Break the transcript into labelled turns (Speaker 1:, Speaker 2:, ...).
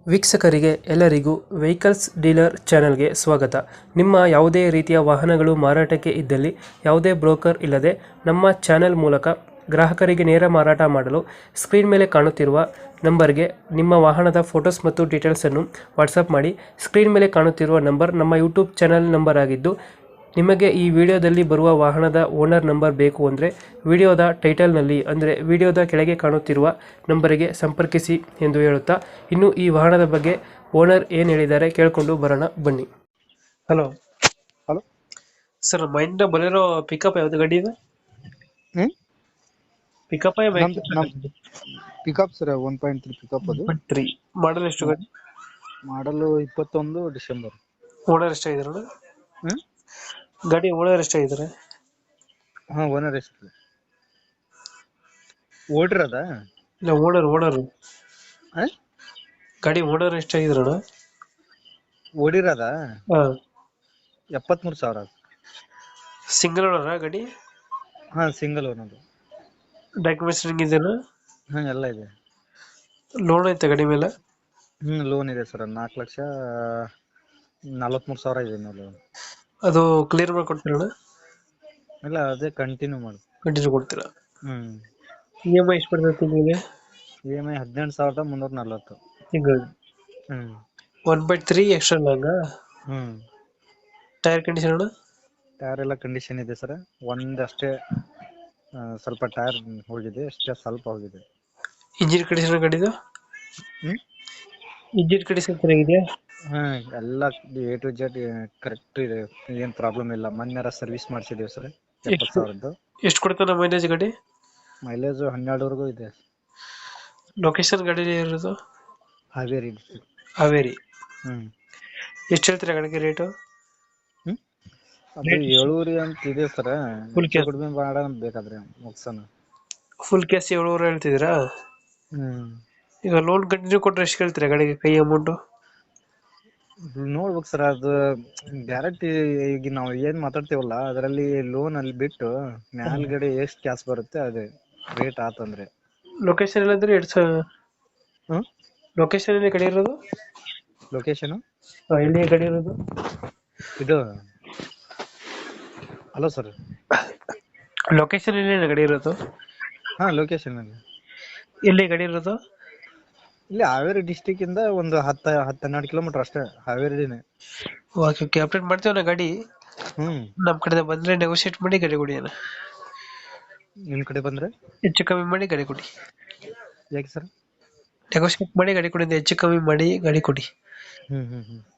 Speaker 1: ವೀಕ್ಷಕರಿಗೆ ಎಲ್ಲರಿಗೂ vehicles dealer ಚಾನೆಲ್ಗೆ ಸ್ವಾಗತ. ನಿಮ್ಮ ಯಾವುದೇ ರೀತಿಯ ವಾಹನಗಳು ಮಾರಾಟಕ್ಕೆ ಇದ್ದಲ್ಲಿ ಯಾವುದೇ ಬ್ರೋಕರ್ ಇಲ್ಲದೆ ನಮ್ಮ ಚಾನೆಲ್ ಮೂಲಕ ಗ್ರಾಹಕರಿಗೆ ನೇರ ಮಾರಾಟ ಮಾಡಲು ಸ್ಕ್ರೀನ್ ಮೇಲೆ ಕಾಣುತ್ತಿರುವ ನಂಬರ್ಗೆ ನಿಮ್ಮ ವಾಹನದ ಫೋಟೋಸ್ ಮತ್ತು ಡೀಟೇಲ್ಸನ್ನು ವಾಟ್ಸಪ್ ಮಾಡಿ. ಸ್ಕ್ರೀನ್ ಮೇಲೆ ಕಾಣುತ್ತಿರುವ ನಂಬರ್ ನಮ್ಮ ಯೂಟ್ಯೂಬ್ ಚಾನೆಲ್ ನಂಬರ್ ಆಗಿದ್ದು, ನಿಮಗೆ ಈ ವಿಡಿಯೋದಲ್ಲಿ ಬರುವ ವಾಹನದ ಓನರ್ ನಂಬರ್ ಬೇಕು ಅಂದರೆ ವಿಡಿಯೋದ ಟೈಟಲ್ನಲ್ಲಿ ಅಂದರೆ ವಿಡಿಯೋದ ಕೆಳಗೆ ಕಾಣುತ್ತಿರುವ ನಂಬರಿಗೆ ಸಂಪರ್ಕಿಸಿ ಎಂದು ಹೇಳುತ್ತಾ, ಇನ್ನು ಈ ವಾಹನದ ಬಗ್ಗೆ ಓನರ್ ಏನು ಹೇಳಿದ್ದಾರೆ ಕೇಳಿಕೊಂಡು ಬರೋಣ ಬನ್ನಿ. ಹಲೋ
Speaker 2: ಹಲೋ
Speaker 1: ಸರ್, ಮೈಂಡ್ ಬಲಿರೋ ಪಿಕಪ್ ಯಾವ್ದು ಗಾಡಿ ಇದೆ?
Speaker 2: ಹ್ಮ್
Speaker 1: ಪಿಕಪ್
Speaker 2: ಪಿಕಪ್ ಸರ್ 1.3 ಪಿಕಪ್ ಅದು
Speaker 1: 3 ಮಾಡಲ್ ಎಷ್ಟು ಗಾಡಿ?
Speaker 2: ಮಾಡಲು 21 ಡಿಸೆಂಬರ್.
Speaker 1: ಓನರ್ ಎಷ್ಟಾಗಿದ್ದಾರೆ?
Speaker 2: ಹ್ಮ್
Speaker 1: ಗಾಡಿ ಓನರ್ ಎಷ್ಟಾಗಿದ್ದಾರೆ?
Speaker 2: ಹಾ ಓನರ್ ಎಷ್ಟು ಓಡಿರದ?
Speaker 1: ಇಲ್ಲ, ಓನರ್ ಗಾಡಿ ಓನರ್ ಎಷ್ಟಾಗಿದ್ದಾರಣ?
Speaker 2: ಓಡಿರದ
Speaker 1: ಹಾ,
Speaker 2: 73,000.
Speaker 1: ಸಿಂಗಲ್ ಓನರಾ ಗಾಡಿ?
Speaker 2: ಹಾ ಸಿಂಗಲ್ ಓನರ್.
Speaker 1: ಡಾಕ್ಯುಮೆಂಟ್ಸ್ ರನ್ನಿಂಗ್ ಇದೆಯಾ?
Speaker 2: ಹಾ ಎಲ್ಲ ಇದೆ.
Speaker 1: ಲೋನ್ ಐತೆ ಗಾಡಿ ಮೇಲೆ?
Speaker 2: ಲೋನ್ ಇದೆ ಸರ್, 4,43,000 ಇದೆ ಲೋನ್.
Speaker 1: ಅದು ಕ್ಲಿಯರ್ ಮಾಡ್ಕೊಡ್ತೀರಣ್ಣ?
Speaker 2: ಇಲ್ಲ ಅದೇ ಕಂಟಿನ್ಯೂ ಮಾಡು.
Speaker 1: ಕಂಟಿನ್ಯೂ ಕೊಡ್ತೀರಾ?
Speaker 2: ಹ್ಮ್
Speaker 1: EMI ಎಷ್ಟು ಬರ್ತದೆ ತಿಂಗಳಿಗೆ?
Speaker 2: EMI 18,340.
Speaker 1: ತಿಂಗಳು
Speaker 2: ಹ್ಮ್
Speaker 1: 1/3 ಎಕ್ಸ್ಟ್ರಾ ಲಾಂಗ?
Speaker 2: ಹ್ಮ್
Speaker 1: ಟೈರ್ ಕಂಡೀಷನ್ ಅಣ್ಣ?
Speaker 2: ಟೈರ್ ಎಲ್ಲ ಕಂಡೀಷನ್ ಇದೆ ಸರ್. ಒಂದಷ್ಟೇ ಸ್ವಲ್ಪ ಟೈರ್ ಹೋಗಿದೆ, ಅಷ್ಟೇ ಸ್ವಲ್ಪ ಹೋಗಿದೆ.
Speaker 1: ಇಂಜಿನ್ ಕಂಡೀಷನ್ ಗಾಡಿದು?
Speaker 2: ಹ್ಮ್
Speaker 1: ಇಂಜಿನ್ ಕಂಡೀಷನ್ ಚೆನ್ನಾಗಿದೆಯಾ?
Speaker 2: ಹಾ ಎಲ್ಲ A to Z ಕರೆಕ್ಟ್ ಇದೆ, ಏನ್ ಪ್ರಾಬ್ಲಮ್ ಇಲ್ಲ. ಮೊನ್ನೆ ಸರ್ವಿಸ್ ಮಾಡಿಸಿದೀವಿ ಸರ್, 70,000.
Speaker 1: ಎಷ್ಟು ಕೊಡ್ತಾನೆ ಮೈಲೇಜ್ ಗಾಡಿ?
Speaker 2: ಮೈಲೇಜ್ 12ವರೆಗೂ ಇದೆ.
Speaker 1: ಲೊಕೇಶನ್ ಗಾಡಿ ಇರೋದು?
Speaker 2: ಹಾವೇರಿ district.
Speaker 1: ಹಾವೇರಿ.
Speaker 2: ಹ್ಮ್
Speaker 1: ಎಷ್ಟು ಹೇಳ್ತೀರಾ ಗಾಡಿಗೆ ರೇಟು?
Speaker 2: ಹ್ಮ್ ಅದು 7 ಅಂತ ಇದೆ ಸರ್.
Speaker 1: Full cash?
Speaker 2: ಕಡಿಮೆ ಮಾಡೋಣ ಬೇಕಾದ್ರೆ ಮುಗ್ಸೋಣ.
Speaker 1: ಫುಲ್ ಕ್ಯಾಶ್ 7 ಹೇಳ್ತಿದ್ದೀರಾ?
Speaker 2: ಹ್ಮ್
Speaker 1: ಈಗ ಲೋನ್ ಕಂಟಿನ್ಯೂ ಕೊಟ್ರೆ ಎಷ್ಟು ಕೇಳ್ತೀರಾ ಗಾಡಿಗೆ ಕೈ ಅಮೌಂಟು?
Speaker 2: ನೋಡ್ಬೇಕು ಸರ್, ಅದು ಗ್ಯಾರಂಟಿ. ಈಗ ನಾವು ಏನ್ ಮಾತಾಡ್ತೀವಲ್ಲ ಅದರಲ್ಲಿ ಲೋನ್ ಅಲ್ಲಿ ಬಿಟ್ಟು ಮ್ಯಾಲ್ಗಡೆ ಎಷ್ಟು ಕ್ಯಾಶ್ ಬರುತ್ತೆ ಅದೇ ರೇಟ್ ಆತಂದ್ರೆ.
Speaker 1: ಲೊಕೇಶನ್ ಎಲ್ಲಂದ್ರೆ
Speaker 2: ಹ್ಮ್
Speaker 1: ಲೊಕೇಶನ್ ಎಲ್ಲಿ ಗಾಡಿ ಇರೋದು?
Speaker 2: ಲೊಕೇಶನ್
Speaker 1: ಎಲ್ಲಿ ಗಾಡಿ ಇರೋದು?
Speaker 2: ಇದು ಹಲೋ ಸರ್,
Speaker 1: ಲೊಕೇಶನ್ ಎಲ್ಲಿ ಗಾಡಿ ಇರೋದು?
Speaker 2: ಹಾ ಲೊಕೇಶನ್ ಅಲ್ಲಿ
Speaker 1: ಎಲ್ಲಿ ಗಾಡಿ ಇರೋದು?
Speaker 2: ಇಲ್ಲಿ ಹಾವೇರಿ ಡಿಸ್ಟಿಕ್ ಇಂದ ಒಂದು 10-12 ಕಿಲೋಮೀಟರ್ ಅಷ್ಟೇ, ಹಾವೇರಿನೇ.
Speaker 1: ಓಕೆ ಓಕೆ, ಅಪ್ಡೇಟ್ ಮಾಡ್ತೀವಣ್ಣ ಗಾಡಿ.
Speaker 2: ಹ್ಮ್
Speaker 1: ನಮ್ಮ ಕಡೆ ಬಂದ್ರೆ ನೆಗೋಶಿಯೇಟ್ ಮಾಡಿ ಗಾಡಿ ಕೊಡಿ ಅಣ್ಣ.
Speaker 2: ನಿಮ್ ಕಡೆ ಬಂದ್ರೆ
Speaker 1: ಹೆಚ್ಚು ಕಮ್ಮಿ ಮಾಡಿ ಗಾಡಿ ಕೊಡಿ.
Speaker 2: ಯಾಕೆ ಸರ್?
Speaker 1: ನೆಗೋಶಿಯೇಟ್ ಮಾಡಿ ಗಾಡಿ ಕೊಡಿ, ಹೆಚ್ಚು ಕಮ್ಮಿ ಮಾಡಿ ಗಾಡಿ ಕೊಡಿ.
Speaker 2: ಹ್ಮ್ ಹ್ಮ್ ಹ್ಮ್